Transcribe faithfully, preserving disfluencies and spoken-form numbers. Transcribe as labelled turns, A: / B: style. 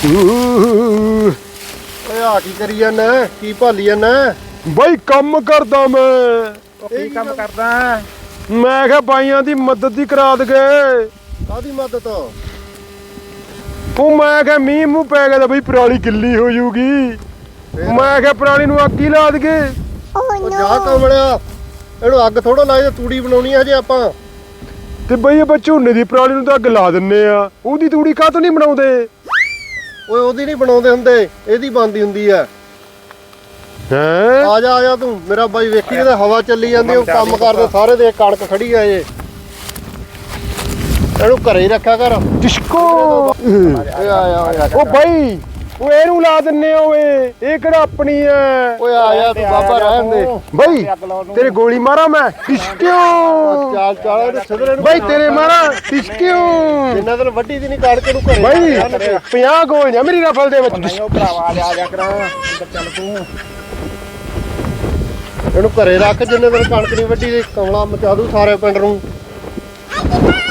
A: ਓਏ ਆ ਕੀ ਕਰੀ ਜਾਂਦਾ ਕੀ ਭਾਲੀ ਜਾਂਦਾ
B: ਬਈ ਕੰਮ ਕਰਦਾ ਮੈਂ
A: ਕੀ ਕੰਮ
C: ਕਰਦਾ
B: ਮੈਂ ਕਿਹਾ ਬਾਈਆਂ ਦੀ ਮਦਦ ਹੀ ਕਰਾ ਦਗੇ
A: ਕਾਦੀ ਮਦਦ
B: ਉਹ ਮੈਂ ਕਿਹਾ ਮੀਂਹ ਮੂੰਹ ਪੈ ਗਿਆ ਤਾਂ ਬਈ ਪਰਾਲੀ ਗਿੱਲੀ ਹੋ ਜੂਗੀ ਮੈਂ ਕਿਹਾ ਪਰਾਲੀ ਨੂੰ ਅੱਗ ਹੀ ਲਾ ਦਗੇ
A: ਉਹ ਜਾ ਕਮਲਿਆ ਇਹਨੂੰ ਅੱਗ ਥੋੜਾ ਲਾਏ ਤੂੜੀ ਬਣਾਉਣੀ ਆ ਜੇ ਆਪਾਂ
B: ਤੇ ਬਈ ਆਪਾਂ ਝੋਨੇ ਦੀ ਪਰਾਲੀ ਨੂੰ ਤਾਂ ਅੱਗ ਲਾ ਦਿੰਨੇ ਆ ਉਹਦੀ ਤੂੜੀ ਕਾਹ ਤੋਂ ਨਹੀਂ ਬਣਾਉਂਦੇ
A: ਓਏ ਉਹਦੀ ਨਹੀਂ ਬਣਾਉਂਦੇ ਹੁੰਦੇ ਇਹਦੀ ਬਣਦੀ ਹੁੰਦੀ ਆ
B: ਹੈ
A: ਆ ਜਾ ਆ ਜਾ ਤੂੰ ਮੇਰਾ ਬਾਈ ਵੇਖੀ ਕਿਤੇ ਹਵਾ ਚੱਲੀ ਜਾਂਦੀ ਉਹ ਕੰਮ ਕਰਦੇ ਸਾਰੇ ਦੇ ਕਣਕ ਖੜੀ ਆ ਜੇ ਇਹਨੂੰ ਘਰੇ ਹੀ ਰੱਖਿਆ ਕਰ
B: ਡਿਸਕੋ
A: ਓਏ ਆ ਆ ਆ
B: ਉਹ ਬਾਈ ਉਹ ਇਹਨੂੰ ਲਾ ਦਿੰਨੇ ਓਏ ਇਹ ਕਿਹੜਾ ਆਪਣੀ ਐ
A: ਓਏ ਆ ਜਾ ਤੂੰ ਬਾਬਾ ਰਹਿਣ ਦੇ
B: ਬਾਈ ਤੇਰੇ ਗੋਲੀ ਮਾਰਾਂ ਮੈਂ ਡਿਸਕਿਓ
A: ਚਾਲ ਚਾਲ ਇਹਨੂੰ ਸਿੱਧਰੇ ਨੂੰ
B: ਬਾਈ ਤੇਰੇ ਮਾਰਾਂ ਡਿਸਕਿਓ
A: ਜਿੰਨਾ ਦਿਨ ਵੱਡੀ ਦੀ ਨਹੀਂ ਕਾੜ ਕੇ ਨੂੰ ਘਰੇ
B: ਬਾਈ ਪੰਜਾਹ ਗੋਲੀਆਂ ਮੇਰੀ ਰਫਲ ਦੇ ਵਿੱਚ
C: ਉਹ ਭਰਾਵਾ ਆ ਜਾ ਕਰਾਂ ਚੱਲ ਤੂੰ
A: ਇਹਨੂੰ ਘਰੇ ਰੱਖ ਜਿੰਨੇ ਦਿਨ ਕਣਕ ਨਹੀਂ ਵੱਡੀ ਕਮਲਾ ਮਚਾ ਦੂ ਸਾਰੇ ਪਿੰਡ ਨੂੰ